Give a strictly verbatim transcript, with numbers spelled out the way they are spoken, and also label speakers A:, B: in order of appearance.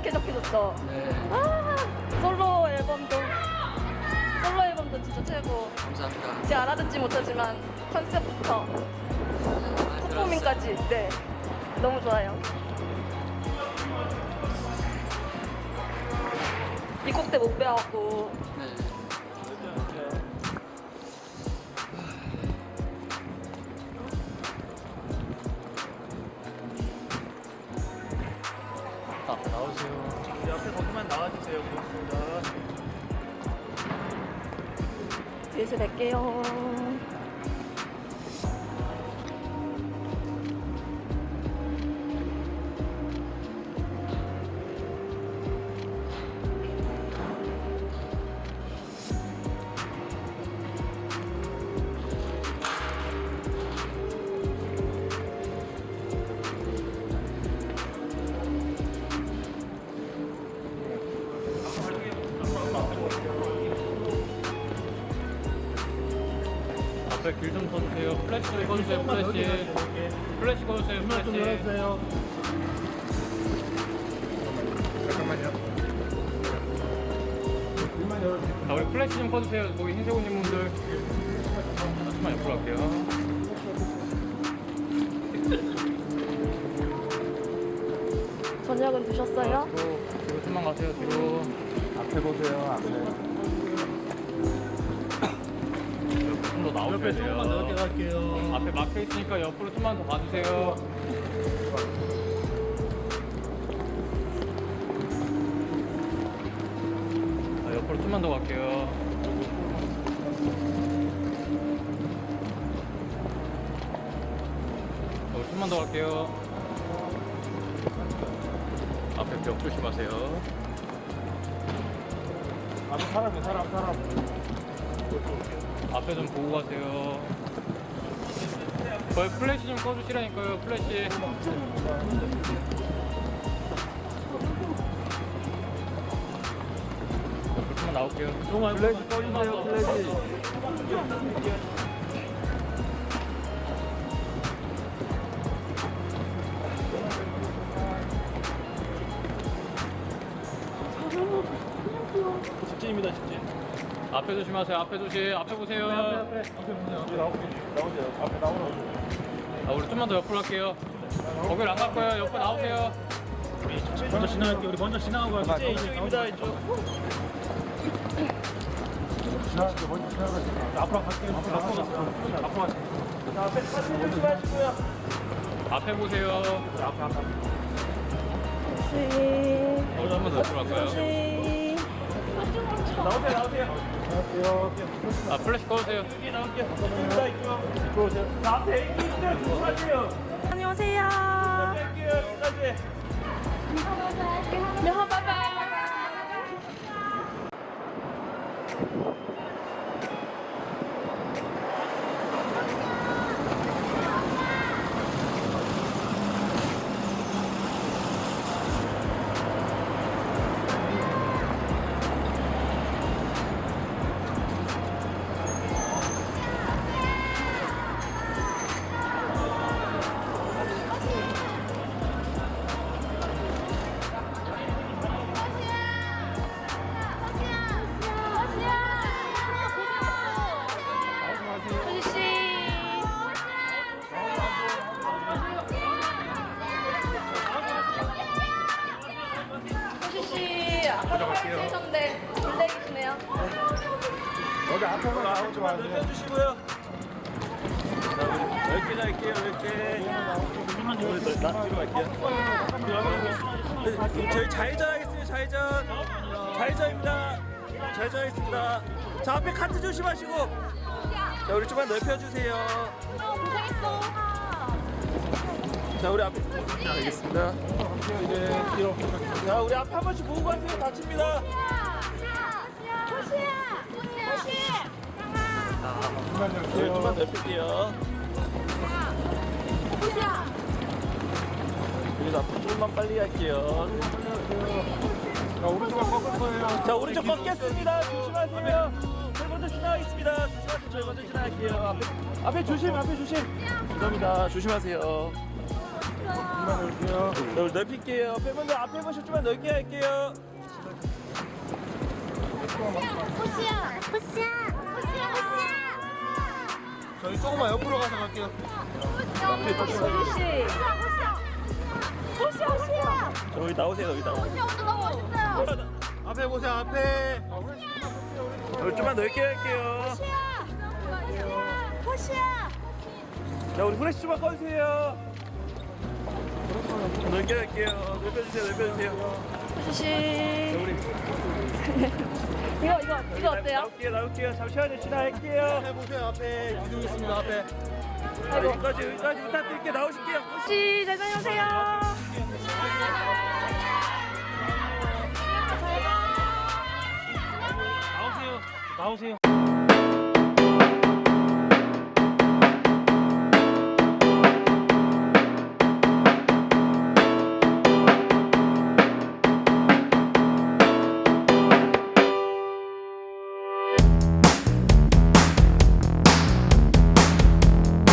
A: 쾌적해졌죠?
B: 네.
A: 아, 솔로 앨범도 솔로 앨범도 진짜 최고.
B: 감사합니다.
A: 제가 알아듣지 못하지만 컨셉부터
B: 많이
A: 퍼포밍까지 네 너무 좋아요. 이 곡 때 못 배웠고
B: 네. 앞에 나오세요.
C: 우리 앞에 거기만 나와주세요. 고맙습니다.
A: 뒤에서 뵐게요.
D: 앞에 길 좀 서주세요. 플래시 좀 꺼주세요. 플래시. 플래시 꺼주세요.
C: 문만 좀
D: 플래시.
C: 열어주세요. 잠깐만요. 문만 열어주세요.
D: 자, 우리 플래시 좀 꺼주세요. 거기 흰색 옷 입은 분들. 잠깐만 옆으로 갈게요.
A: 저녁은 드셨어요?
D: 뒤로, 뒤로 좀만 가세요. 뒤로.
C: 앞에 보세요. 앞에.
D: 좀 더 나오셔야
C: 옆에 조금만 넓게
D: 돼요.
C: 갈게요.
D: 앞에 막혀 있으니까 옆으로 좀만 더 가주세요. 자, 옆으로 좀만 더 갈게요. 어, 좀만 더 갈게요. 앞에 벽 조심하세요.
C: 앞에 사람이 사람 사람.
D: 앞에 좀 보고 가세요. 거기 플래시 좀 꺼주시라니까요. 플래시. 옆으로 좀만 나올게요.
C: 플래시 꺼주세요. 플래시. 직진입니다. 직진.
D: 앞에 조심하세요. 앞에 조심. 앞에 보세요.
C: 앞에 앞에 나오세요. 앞에 나오세요.
D: 아, 우리 좀만 더 옆으로 갈게요. 거길 안 갈 거예요. 옆으로 나오세요.
C: 먼저 지나갈게요. 우리 먼저 지나가고 갈게요. 이제 이쪽입니다. 이쪽. 지나갈게요. 먼저 지나갈게요. 앞으로 갈게요. 앞으로 갈게요. 앞으로 갈게요. 자, 앞에 사진 조심하시고요.
D: 앞에 보세요.
C: 앞에 앞에.
A: 혹시
D: 어, 좀만 더 옆으로 갈까요?
A: 혹시
C: 나오세요. 나오세요. 안녕하세요.
D: 아, 플래시 꺼주세요.
C: 여기 나올게요. 이쪽입니다. 이쪽. 이쪽 오세요. 자, 앞에 애기 있어요. 조심하세요.
A: 안녕하세요.
C: 갈게요. 여기까지.
A: 소지 씨. 소지 씨 아까 하셨는데 블랙이시네요.
C: 여기 앞에만 나오지 마세요. 넓혀주시고요. 자, 우리 넓게 갈게요. 넓게. 나 뒤로 갈게요. 저희 좌회전 하겠습니다. 좌회전. 좌회전입니다. 좌회전 하겠습니다. 자, 앞에 카트 조심하시고. 자, 우리 좀만 넓혀주세요.
A: 고생했어.
C: 자, 우리 앞에. 자, 알겠습니다. 이제 뒤로. 자, 우리 앞에 한 번씩 보고 가세요. 다칩니다. 네, 좀만 넓힐게요. 여기서 앞으로 조금만 빨리 갈게요. 자, 오른쪽을 꺾을 거예요. 자, 오른쪽 꺾겠습니다. 조심하세요. 저희 먼저 지나가겠습니다. 조심하세요. 저희 먼저 지나갈게요. 앞에, 앞에 조심, 앞에 조심. 죄송합니다. 조심하세요. 자, 우리 넓힐게요. 팬분들 앞에 보시면 좀만 넓게 할게요.
E: 호시야, 호시야, 호시야, 호시야.
B: 저희 조금만 옆으로 가서 갈게요.
A: 소리 씨.
E: 호시야, 호시야.
C: 자, 여기 나오세요. 여기 나오세요.
E: 호시야 오늘 너무 멋있어요.
B: 앞에 보세요, 앞에.
C: 여기 좀만 넓게 할게요.
E: 호시야, 호시야.
C: 자, 우리 후레쉬 좀만 꺼주세요. 넓게 할게요. 넓혀주세요. 넓혀주세요.
A: 호시 씨.
C: 자, 우리
A: 이거 이거 이거 어때요?
C: 나올게요. 나올게요. 잠시만요. 지나갈게요.
B: 앞에 보세요, 앞에. 기둥 있습니다, 앞에.
C: 자, 여기까지 여기까지 부탁드릴게요. 나오실게요.
A: 호시 잘 다녀오세요.
C: 나오세요. 나오세요.